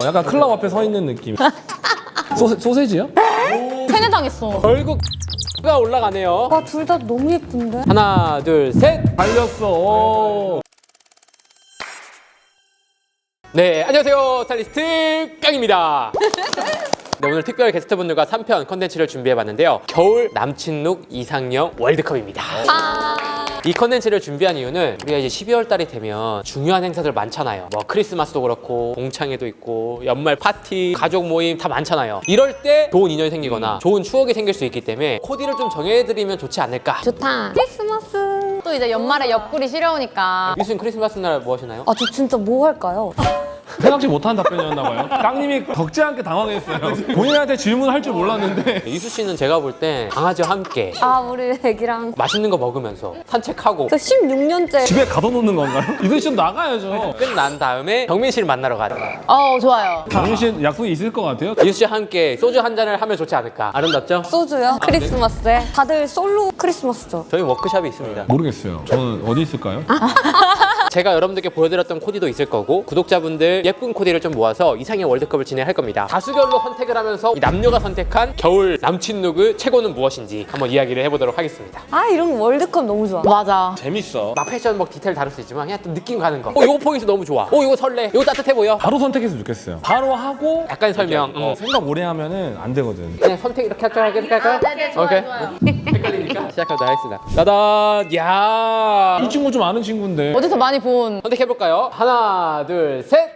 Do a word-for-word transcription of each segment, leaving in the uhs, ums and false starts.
약간 클럽 앞에 서 있는 느낌. 소세, 소세지요? 세뇌당했어. 결국가 올라가네요. 와, 둘 다 너무 예쁜데? 하나, 둘, 셋. 달렸어. 오. 네, 안녕하세요. 스타일리스트 깡입니다. 네, 오늘 특별 게스트분들과 삼 편 컨텐츠를 준비해봤는데요. 겨울 남친 룩 이상형 월드컵입니다. 아. 이 컨텐츠를 준비한 이유는 우리가 이제 십이월 달이 되면 중요한 행사들 많잖아요. 뭐 크리스마스도 그렇고 동창회도 있고 연말 파티, 가족 모임 다 많잖아요. 이럴 때 좋은 인연이 생기거나 좋은 추억이 생길 수 있기 때문에 코디를 좀 정해드리면 좋지 않을까. 좋다. 크리스마스. 또 이제 연말에 옆구리 시려우니까. 유수님 크리스마스 날 뭐 하시나요? 아, 저 진짜 뭐 할까요? 생각지 못한 답변이었나 봐요. 깡님이 적지 않게 당황했어요. 본인한테 질문할 줄 몰랐는데. 이수 씨는 제가 볼 때 강아지와 함께 아, 우리 애기랑. 맛있는 거 먹으면서 산책하고 그 십육 년째. 집에 가둬놓는 건가요? 이순 씨는 나가야죠. 끝난 다음에 경민 씨를 만나러 가자. 어, 좋아요. 정민 씨 약속이 있을 것 같아요. 이수 씨와 함께 소주 한 잔을 하면 좋지 않을까. 아름답죠? 소주요? 크리스마스에? 다들 솔로 크리스마스죠? 저희 워크숍이 있습니다. 모르겠어요. 저는 어디 있을까요? 제가 여러분들께 보여드렸던 코디도 있을 거고 구독자분들 예쁜 코디를 좀 모아서 이상형 월드컵을 진행할 겁니다. 다수결로 선택을 하면서 이 남녀가 선택한 겨울 남친 룩의 최고는 무엇인지 한번 이야기를 해보도록 하겠습니다. 아, 이런 월드컵 너무 좋아. 맞아. 재밌어. 막 패션 막 디테일 다를 수 있지만 그냥 또 느낌 가는 거. 어, 이거 포인트 너무 좋아. 어, 이거 설레. 이거 따뜻해 보여. 바로 선택했으면 좋겠어요. 바로 하고 약간 설명. 어, 어. 생각 오래 하면은 안 되거든. 그냥 선택 이렇게 할까요? 이렇게 할까요? 네네, 좋아요, 오케이. 좋아요. 헷갈리니까 시작하도록 하겠습니다. 따단. 야. 이 친구 좀 아는 친구인데. 어디서 많이 본. 선택해볼까요? 하나, 둘, 셋.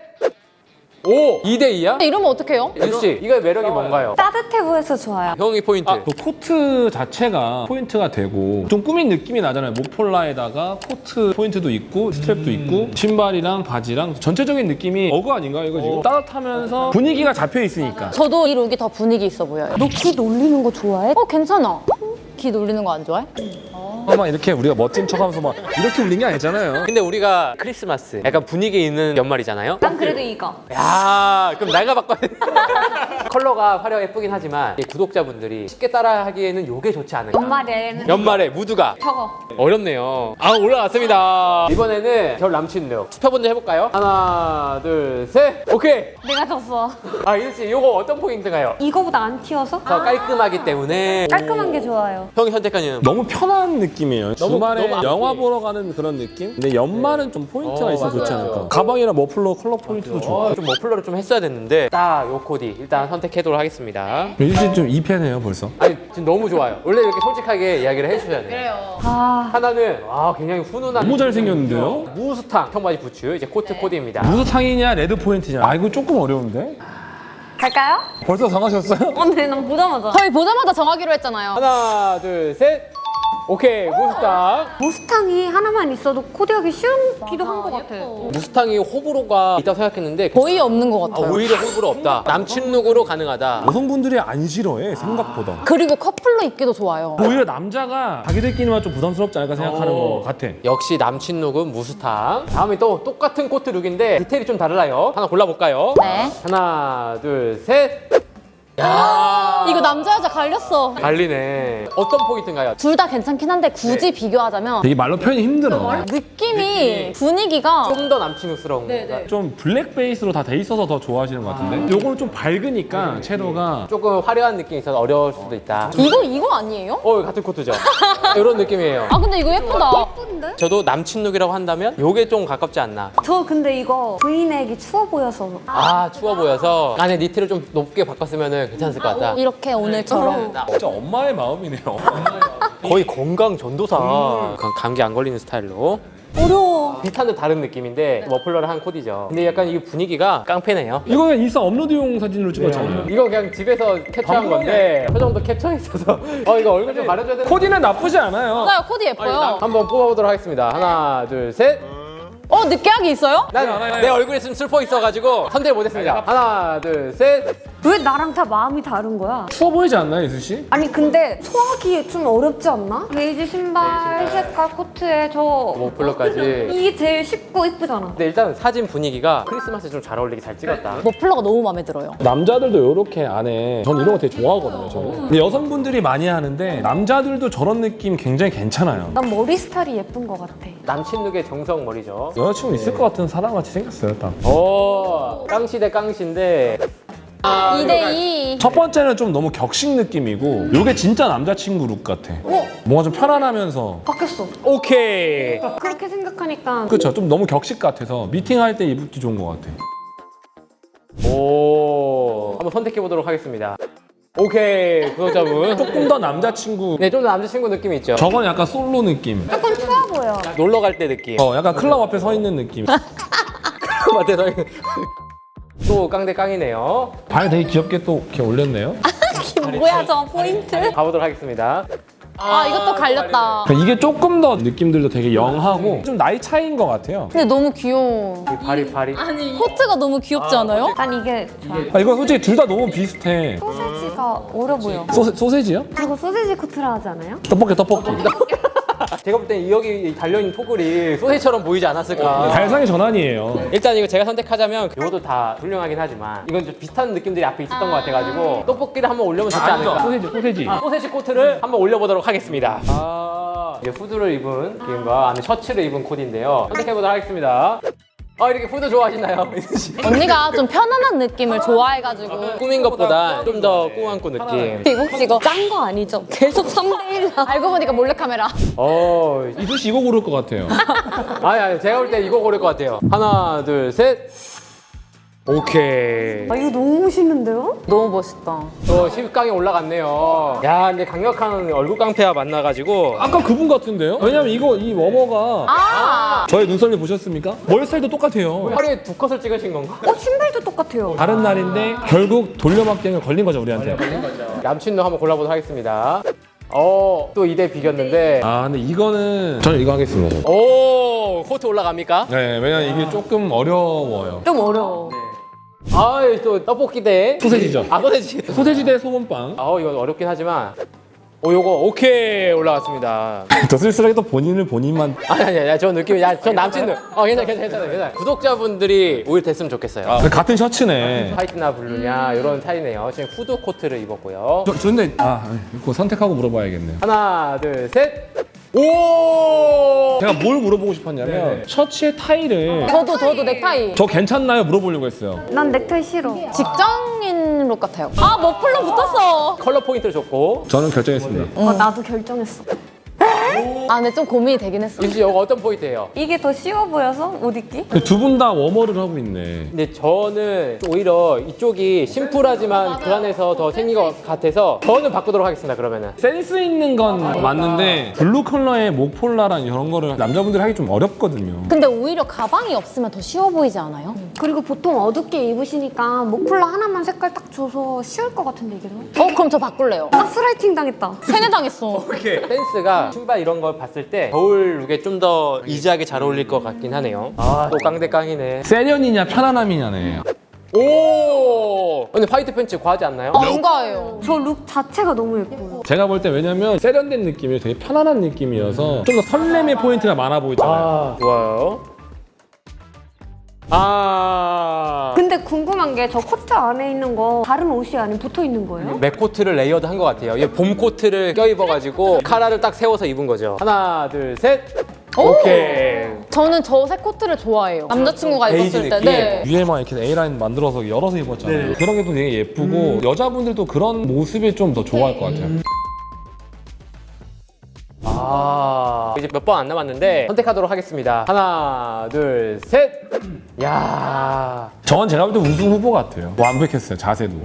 오! 이 대 이야? 이러면 어떡해요? 유수 씨, 이거의 매력이 뭔가요? 따뜻해 보여서 좋아요. 형이 포인트. 아, 그 코트 자체가 포인트가 되고 좀 꾸민 느낌이 나잖아요. 목폴라에다가 코트 포인트도 있고 스트랩도 있고 신발이랑 바지랑 전체적인 느낌이 어그 아닌가 이거 지금? 따뜻하면서 분위기가 잡혀 있으니까. 저도 이 룩이 더 분위기 있어 보여요. 너 키 놀리는 거 좋아해? 어, 괜찮아. 기 놀리는 거 안 좋아해? 막 이렇게 우리가 멋진 척하면서 막 이렇게 울린 게 아니잖아요. 근데 우리가 크리스마스 약간 분위기 있는 연말이잖아요. 난 그래도 이거. 야, 그럼 내가 바꿔야 돼. 컬러가 화려해 예쁘긴 하지만 이 구독자분들이 쉽게 따라하기에는 요게 좋지 않을까. 연말에는 연말에 무드가 저거. 어렵네요. 아, 올라왔습니다. 이번에는 겨울 남친 룩 스페 먼저 해볼까요? 하나, 둘, 셋. 오케이. 내가 졌어. 아, 이수 씨, 요거 어떤 포인트가요? 이거보다 안 튀어서? 더 깔끔하기 때문에 깔끔한 게 좋아요. 형이 선택한 이유는 너무 편한 느낌이에요. 너무- 주말에 너무 안 영화 돼. 보러 가는 그런 느낌? 근데 연말은 좀 포인트가 어, 있어서 좋지 맞아요. 않을까. 가방이랑 머플러 컬러 포인트도 좋고. 어, 좀 머플러를 좀 했어야 됐는데 딱 요 코디 일단 선택해도록 하겠습니다. 유진 씨좀 이 팬이에요 벌써. 아니 지금 너무 좋아요. 원래 이렇게 솔직하게 이야기를 해주셔야 돼요. 그래요. 아, 하나는 아 굉장히 훈훈한 너무 잘생겼는데요? 무스탕 청바지 부츠 이제 코트 코디입니다. 무스탕이냐 레드 포인트냐? 아 이거 조금 어려운데? 갈까요? 벌써 정하셨어요? 언니, 난 보자마자. 저희 보자마자 정하기로 했잖아요. 하나 둘 셋. 오케이 무스탕. 무스탕이 하나만 있어도 코디하기 쉬운기도 한 것 같아. 무스탕이 호불호가 있다고 생각했는데 거의 없는 것 아, 같아요. 오히려 호불호 없다. 남친 룩으로 가능하다. 여성분들이 안 싫어해 생각보다. 그리고 커플로 입기도 좋아요. 오히려 남자가 자기들끼리만 좀 부담스럽지 않을까 생각하는 것 같아. 역시 남친 룩은 무스탕. 다음에 또 똑같은 코트 룩인데 디테일이 좀 달라요. 하나 골라볼까요? 네. 하나 둘 셋. 야 이거 남자 여자 갈렸어. 갈리네. 어떤 포인트인가요? 둘 다 괜찮긴 한데 굳이 비교하자면 되게 말로 표현이 힘들어. 느낌이 분위기가 좀 더 남친룩스러운 거. 좀 블랙 베이스로 다 돼 있어서 더 좋아하시는 것 같은데? 요거는 좀 밝으니까 채도가 조금 화려한 느낌이 있어서 어려울 수도 있다. 이거 이거 아니에요? 어, 같은 코트죠? 이런 느낌이에요. 아 근데 이거 예쁘다. 예쁜데? 저도 남친룩이라고 한다면 요게 좀 가깝지 않나. 저 근데 이거 브이넥이 추워 보여서. 아, 추워 보여서 안에 니트를 좀 높게 바꿨으면 괜찮을 것 같다. 이렇게 오늘처럼. 진짜 엄마의 마음이네요. 거의 건강 전도사. 감- 감기 안 걸리는 스타일로. 어려워. 비슷한 듯 다른 느낌인데 머플러를 한 코디죠. 근데 약간 이 분위기가 깡패네요. 이거 그냥 인스타 업로드용 사진으로 찍었잖아요. 이거 그냥 집에서 캡처한 건데 표정도 캡처했어서 어 이거 얼굴 좀 가려줘야 되는. 코디는 나쁘지 않아요. 맞아요. 코디 예뻐요. 한번 뽑아보도록 하겠습니다. 하나, 둘, 셋. 어 느끼하게 있어요? 난 내 얼굴에 좀 슬퍼 있어가지고 선택 못했습니다. 하나, 둘, 셋. 왜 나랑 다 마음이 다른 거야? 추워 보이지 않나요, 이수 씨? 아니 근데 소화하기 좀 어렵지 않나? 베이지 신발 색깔 코트에 저 머플러까지. 이게 제일 쉽고 이쁘잖아. 근데 일단 사진 분위기가 크리스마스에 좀 잘 어울리게 잘 찍었다. 머플러가 너무 마음에 들어요. 남자들도 이렇게 안에 전 이런 거 되게 좋아하거든요. 저는. 근데 여성분들이 많이 하는데 남자들도 저런 느낌 굉장히 괜찮아요. 난 머리 스타일이 예쁜 것 같아. 남친 룩의 정성 머리죠. 여자친구 있을 것 같은 사람같이 생겼어요, 딱. 오, 깡시 대 깡시인데. 이 대 이. 첫 번째는 좀 너무 격식 느낌이고 이게 진짜 남자친구 룩 같아. 뭔가 좀 편안하면서 바뀌었어. 오케이. 그렇게 생각하니까 그렇죠. 좀 너무 격식 같아서 미팅할 때 입기 좋은 것 같아. 오, 한번 선택해 보도록 하겠습니다. 오케이, 구독자분. 조금 더 남자친구. 네, 좀 더 남자친구 느낌이 있죠. 저건 약간 솔로 느낌. 조금 추워 보여. 놀러 갈 때 느낌. 어, 약간 클럽 앞에 서 있는 느낌. 맞아요. 또 깡대 깡이네요. 발 되게 귀엽게 또 이렇게 올렸네요. 뭐야 저 포인트? 가보도록 하겠습니다. 아 이것도 갈렸다. 그러니까 이게 조금 더 느낌들도 되게 영하고 좀 나이 차이인 것 같아요. 근데 너무 귀여워. 이 발이 발이. 코트가 너무 귀엽지 않아요? 난 이게 좋아. 아, 이거 솔직히 둘 다 너무 비슷해. 소세지가 어려 보여. 소세, 소세지요? 그리고 소세지 코트라 하지 않아요? 떡볶이 떡볶이. 제가 볼 땐 여기 달려있는 토글이 소세처럼 보이지 않았을까. 발상의 전환이에요. 일단 이거 제가 선택하자면 이것도 다 훌륭하긴 하지만 이건 좀 비슷한 느낌들이 앞에 있었던 것 같아가지고 떡볶이를 한번 올려면 좋지 않을까. 소세지 소세지. 아, 소세지 코트를 한번 올려보도록 하겠습니다. 아, 이제 후드를 입은 느낌과 안에 셔츠를 입은 코디인데요. 선택해보도록 하겠습니다. 아, 이렇게 후드 좋아하시나요? 언니가 좀 편안한 느낌을 좋아해가지고. 꾸민 것보다 좀 더 꾸안꾸 느낌. 이거 혹시 이거 짠 거 아니죠? 계속 삼 대 일. 알고 보니까 몰래카메라. 어, 이수 씨 이거 고를 것 같아요. 아니 아니 제가 볼 때 이거 고를 것 같아요. 하나 둘 셋. 오케이. 아 이거 너무 멋있는데요? 너무 멋있다. 또 십 강에 올라갔네요. 야, 근데 강력한 얼굴 깡패와 만나가지고 아까 그분 같은데요? 왜냐면 이거 이 워머가 아! 저의 눈썰미 보셨습니까? 머리 스타일도 똑같아요. 하루에 두 컷을 찍으신 건가? 어 신발도 똑같아요. 다른 날인데 결국 돌려막기행을 걸린 거죠 우리한테. 남친도 한번 골라보도록 하겠습니다. 어, 또 이 대 비겼는데. 아 근데 이거는 저는 이거 하겠습니다. 오, 코트 올라갑니까? 네, 왜냐면 이게 조금 어려워요. 좀 어려워. 아, 또 떡볶이 대 소세지죠. 아, 소세지. 소세지 대 소금빵. 아, 이거 어렵긴 하지만. 오, 요거 오케이 올라갔습니다. 더 쓸쓸하게 또 본인을 본인만. 아니 아니 아니, 저 느낌이 야, 전 남친들. 어, 괜찮아 괜찮아 괜찮아 괜찮아. 구독자분들이 오히려 됐으면 좋겠어요. 아, 같은 셔츠네. 화이트나 블루냐 이런 차이네요. 지금 후드 코트를 입었고요. 저, 저 근데 아 이거 선택하고 물어봐야겠네요. 하나 둘 셋. 오! 제가 뭘 물어보고 싶었냐면 셔츠의 타이를 저도 저도 넥타이. 저 괜찮나요? 물어보려고 했어요. 난 넥타이 싫어. 직장인 룩 같아요. 아 머플러 붙었어. 컬러 포인트를 줬고. 저는 결정했습니다. 어, 나도 결정했어. 아 근데 좀 고민이 되긴 했어. 이수 이거 어떤 포인트예요? 이게 더 쉬워 보여서 옷 입기? 두 분 다 워머를 하고 있네. 근데 저는 오히려 이쪽이 심플하지만 그 안에서 더 생긴 것 같아서 저는 바꾸도록 하겠습니다. 그러면은. 센스 있는 건 맞는데 블루 컬러의 목폴라랑 이런 거를 남자분들이 하기 좀 어렵거든요. 근데 오히려 가방이 없으면 더 쉬워 보이지 않아요? 그리고 보통 어둡게 입으시니까 목폴라 하나만 색깔 딱 줘서 쉬울 것 같은데 이게 더? 어 그럼 저 바꿀래요. 가스라이팅 당했다. 세뇌당했어. 댄스가 신발 이런 걸 봤을 때 겨울 룩에 좀 더 이지하게 잘 어울릴 것 같긴 하네요. 아, 또 깡대 깡이네. 세련이냐 편안함이냐네. 오! 근데 화이트 팬츠 과하지 않나요? 아, 뭔가예요. 저 룩 자체가 너무 예뻐요. 제가 볼 때 왜냐면 세련된 느낌이 되게 편안한 느낌이어서 좀 더 설렘의 포인트가 많아 보이잖아요. 아, 좋아요. 아. 근데 궁금한 게 저 코트 안에 있는 거 다른 옷이 아니면 붙어 있는 거예요? 맥 코트를 레이어드 한 것 같아요. 이게 봄 코트를 껴입어가지고 카라를 딱 세워서 입은 거죠. 하나, 둘, 셋. 오케이. 저는 저 색 코트를 좋아해요. 남자친구가 베이지 입었을 때. 느낌? 네. 위에만 이렇게 A라인 만들어서 열어서 입었잖아요. 네. 그런 게 또 되게 예쁘고 여자분들도 그런 모습이 좀 더 좋아할 것 같아요. 아, 이제 몇 번 안 남았는데 선택하도록 하겠습니다. 하나, 둘, 셋. 야. 저건 제가 볼 때 우승 후보 같아요. 완벽했어요, 자세도.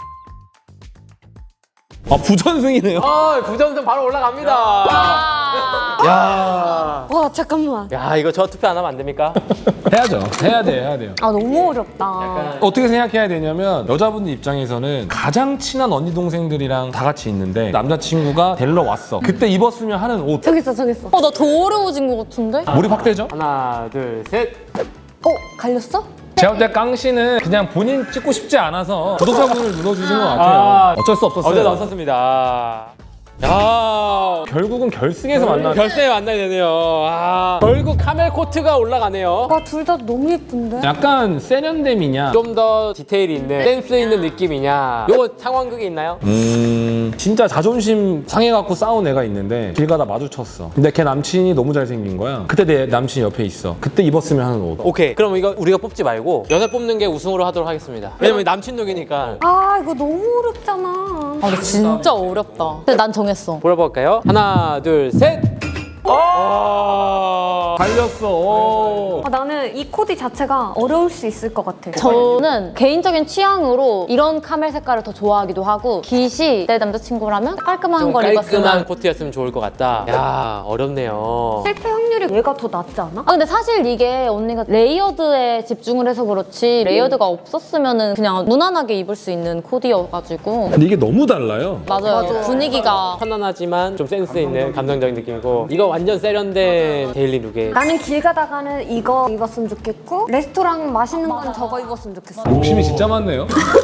아, 부전승이네요. 아, 부전승 바로 올라갑니다. 아. 야. 와 잠깐만. 야, 이거 저 투표 안 하면 안 됩니까? 해야죠. 해야 돼요, 해야 돼요. 아 너무 어렵다. 어떻게 생각해야 되냐면 여자분들 입장에서는 가장 친한 언니 동생들이랑 다 같이 있는데 남자친구가 데리러 왔어. 그때 입었으면 하는 옷. 정했어 정했어. 어 나 더 어려워진 것 같은데? 몰입 확대죠? 하나, 둘, 셋. 어 갈렸어? 제가 볼 때 깡 씨는 그냥 본인 찍고 싶지 않아서 구독자분을 눌러주신 것 같아요. 아. 어쩔 수 없었어요. 어제 없었습니다. 야, 결국은 결승에서 만나. 결승에 만나야 되네요. 아, 결국 카멜 코트가 올라가네요. 와, 둘 다 너무 예쁜데? 약간 세련됨이냐? 좀 더 디테일이 있는 센스 있는 느낌이냐? 요거 상황극이 있나요? 음 진짜 자존심 상해갖고 싸운 애가 있는데 길 가다 마주쳤어. 근데 걔 남친이 너무 잘생긴 거야. 그때 내 남친이 옆에 있어. 그때 입었으면 하는 옷. 오케이. 그럼 이거 우리가 뽑지 말고 여자 뽑는 게 우승으로 하도록 하겠습니다. 왜냐면 남친 룩이니까. 아, 이거 너무 어렵잖아. 아, 근데 진짜 어렵다. 근데 난 정했어. 볼볼까요? 하나, 둘, 셋. 어! 달렸어. 오. 아, 나는 이 코디 자체가 어려울 수 있을 것 같아. 저는 개인적인 취향으로 이런 카멜 색깔을 더 좋아하기도 하고 깃이 내 남자친구라면 깔끔한 좀 걸 깔끔한 입었으면. 코트였으면 좋을 것 같다. 야, 어렵네요. 실패 확률이 얘가 더 낫지 않아? 아 근데 사실 이게 언니가 레이어드에 집중을 해서 그렇지 레이어드가 없었으면은 그냥 무난하게 입을 수 있는 코디여가지고. 근데 이게 너무 달라요. 맞아요. 맞아요. 분위기가. 편안하지만 좀 센스 있는 감성적인 느낌이고, 이거 완전 세련된 데일리 룩에. 나는 길 가다가는 이거 입었으면 좋겠고 레스토랑 맛있는 건 저거 입었으면 좋겠어. 욕심이 진짜 많네요.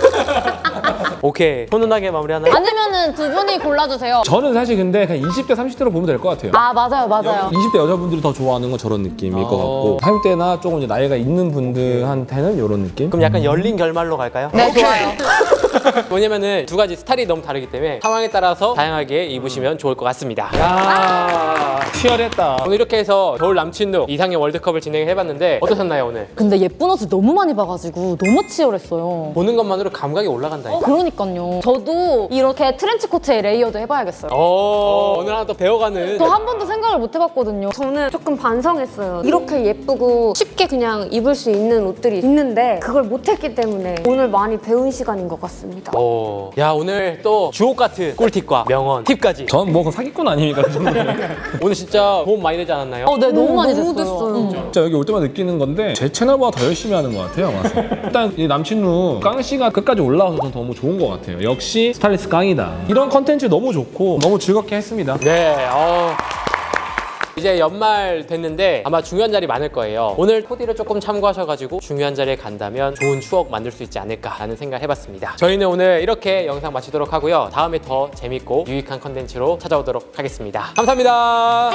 오케이. 훈훈하게 마무리하나요? 아니면은 두 분이 골라주세요. 저는 사실 근데 그냥 이십 대, 삼십 대로 보면 될 것 같아요. 아 맞아요 맞아요. 이십 대 여자분들이 더 좋아하는 건 저런 느낌일 것 어. 같고 삼십 대나 조금 이제 나이가 있는 분들한테는 이런 느낌? 그럼 약간 열린 결말로 갈까요? 네 좋아요. 왜냐면은 두 가지 스타일이 너무 다르기 때문에 상황에 따라서 다양하게 입으시면 좋을 것 같습니다. 야, 치열했다. 오늘 이렇게 해서 겨울 남친 룩 이상의 월드컵을 진행해봤는데 어떠셨나요 오늘? 근데 예쁜 옷을 너무 많이 봐가지고 너무 치열했어요. 보는 것만으로 감각이 올라간다니까. 그러니까요. 저도 이렇게 트렌치 코트에 레이어드 해봐야겠어요. 어, 오늘 하나 더 배워가는. 저 한 번도 생각을 못 해봤거든요. 저는 조금 반성했어요. 이렇게 예쁘고 쉽게 그냥 입을 수 있는 옷들이 있는데 그걸 못했기 때문에 오늘 많이 배운 시간인 것 같습니다. 오, 야 오늘 또 주옥 같은 꿀팁과 명언, 팁까지. 전 뭐 사기꾼 아닙니까? 그 정도면. 오늘 진짜 도움 많이 되지 않았나요? 어, 네 너무 많이 너무 됐어요. 됐어요. 음. 진짜 여기 올 때마다 느끼는 건데 제 채널보다 더 열심히 하는 것 같아요. 와서. 일단 이 남친룩 깡 씨가 끝까지 올라와서 전 너무 좋은 것 같아요. 역시 스타일리스트 깡이다. 이런 컨텐츠 너무 좋고 너무 즐겁게 했습니다. 네, 어. 이제 연말 됐는데 아마 중요한 자리 많을 거예요. 오늘 코디를 조금 참고하셔가지고 중요한 자리에 간다면 좋은 추억 만들 수 있지 않을까라는 생각 해봤습니다. 저희는 오늘 이렇게 영상 마치도록 하고요. 다음에 더 재밌고 유익한 컨텐츠로 찾아오도록 하겠습니다. 감사합니다.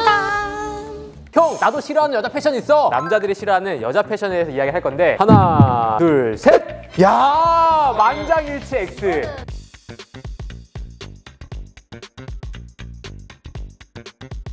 형, 나도 싫어하는 여자 패션 있어. 남자들이 싫어하는 여자 패션에 대해서 이야기할 건데 하나, 둘, 셋. 야, 만장일치 X.